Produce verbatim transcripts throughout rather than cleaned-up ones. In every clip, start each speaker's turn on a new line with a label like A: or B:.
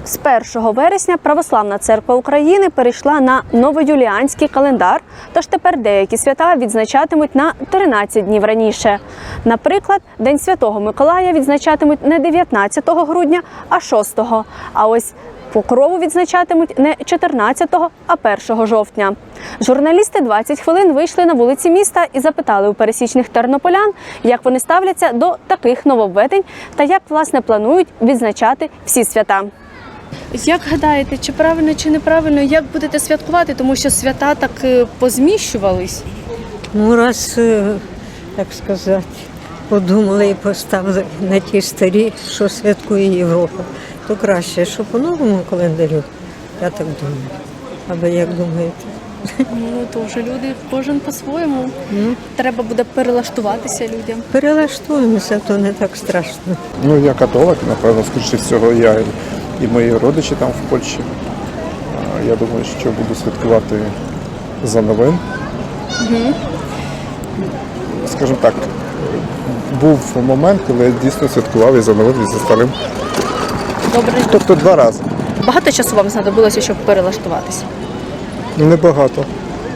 A: З першого вересня Православна Церква України перейшла на новоюліанський календар, тож тепер деякі свята відзначатимуть на тринадцять днів раніше. Наприклад, День Святого Миколая відзначатимуть не дев'ятнадцятого грудня, а шостого. А ось Покрову відзначатимуть не чотирнадцятого, а першого жовтня. Журналісти двадцять хвилин вийшли на вулиці міста і запитали у пересічних тернополян, як вони ставляться до таких нововведень та як, власне, планують відзначати всі свята. Як гадаєте, чи правильно, чи неправильно, як будете святкувати, тому що свята так позміщувались?
B: Ну, раз, так сказати, подумали і поставили на ті старі, що святкує Європа, то краще, що по новому календарю, я так думаю. А ви як думаєте?
A: Ну, то вже люди, кожен по-своєму. Ну, треба буде перелаштуватися людям.
B: Перелаштуємося, то не так страшно.
C: Ну, я католик, напевно, скоріше всього, я і мої родичі там в Польщі. Я думаю, що буду святкувати за новим.
A: Угу.
C: Скажімо так, був момент, коли я дійсно святкував і за новим, і за старим.
A: Добре.
C: Тобто два рази.
A: Багато часу вам знадобилося, щоб перелаштуватися?
C: Небагато.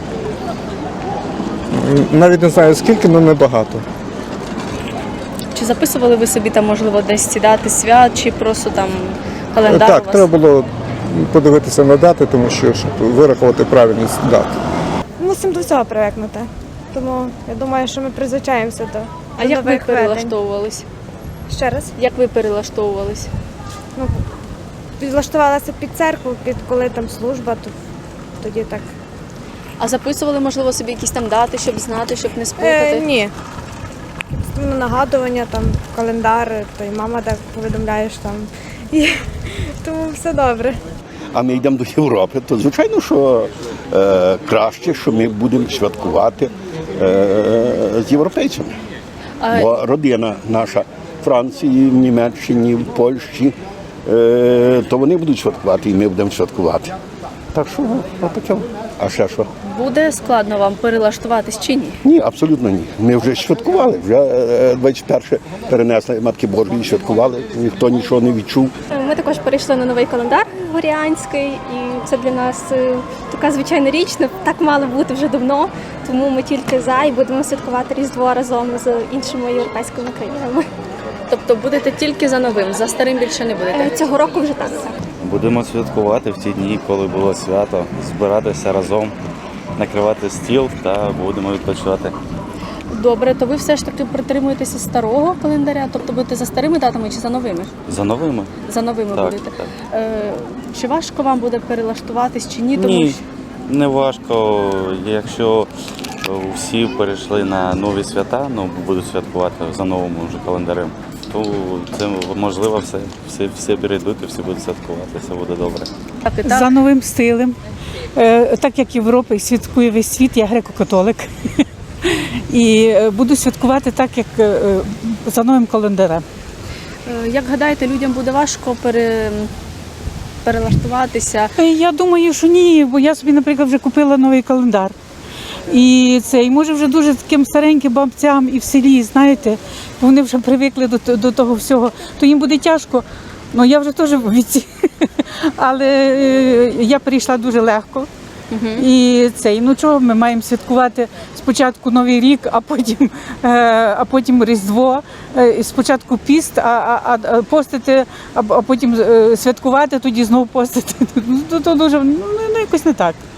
C: Навіть не знаю скільки, але небагато.
A: Чи записували ви собі там, можливо, десь ці дати свят, чи просто там календар
C: Так,
A: у вас?
C: треба було подивитися на дати, тому що, щоб вирахувати правильність дат.
D: Мусимо до всього привикнути. Тому я думаю, що ми призвичаємося до,
A: А
D: до
A: як ви
D: нових ведень.
A: перелаштовувались?
D: Ще раз.
A: Як ви перелаштовувались?
D: Ну, підлаштувалася під церкву, під коли там служба, то тоді так.
A: А записували, можливо, собі якісь там дати, щоб знати, щоб не сплутати?
D: Е, ні. Ну, нагадування, там, календар, то й мама так повідомляєш там. І, тому все добре.
E: А ми йдемо до Європи, то звичайно, що е, краще, що ми будемо святкувати е, з європейцями.
A: А...
E: Бо родина наша в Франції, в Німеччині, в Польщі, е, то вони будуть святкувати і ми будемо святкувати. Так що, отаке. А ще що?
A: Буде складно вам перелаштуватись чи ні?
E: Ні, абсолютно ні. Ми вже святкували, вже е, двадцять перше перенесли Матки Божої, святкували, ніхто нічого не відчув.
F: Ми також перейшли на новий календар горіанський, і це для нас е, така звичайна річ, не так мало бути вже давно, тому ми тільки за і будемо святкувати Різдво разом з іншими європейськими країнами.
A: Тобто будете тільки за новим, за старим більше не будете?
F: Е, Цього року вже так.
G: Будемо святкувати в ті дні, коли було свято, збиратися разом, накривати стіл та будемо відпочивати.
A: Добре, то ви все ж таки притримуєтеся старого календаря, тобто будете за старими датами чи за новими?
G: За новими?
A: За новими
G: Так,
A: будете.
G: так.
A: Е, чи важко вам буде перелаштуватись чи ні? Тому
G: Ні,
A: що...
G: не важко. Якщо всі перейшли на нові свята, ну будуть святкувати за новим вже календарем, то це можливо все, всі, всі перейдуть і всі будуть святкувати, все буде добре.
A: Так, і так.
H: За новим стилем. Е, Так як Європа святкує весь світ, я греко-католик. І буду святкувати так, як е, за новим календарем.
A: Е, Як гадаєте, людям буде важко пере... перелаштуватися?
H: Е, Я думаю, що ні, бо я собі, наприклад, вже купила новий календар. І це, і може вже дуже таким стареньким бабцям і в селі, знаєте, вони вже привикли до, до того всього, то їм буде тяжко. Ну, я вже теж в віці, але е, я перейшла дуже легко.
A: Угу.
H: І це, ну чого, ми маємо святкувати спочатку Новий рік, а потім, е, а потім Різдво, е, спочатку піст, а, а, а постити, а, а потім е, святкувати, тоді знову постити. Ну, то дуже, ну, ну якось не так.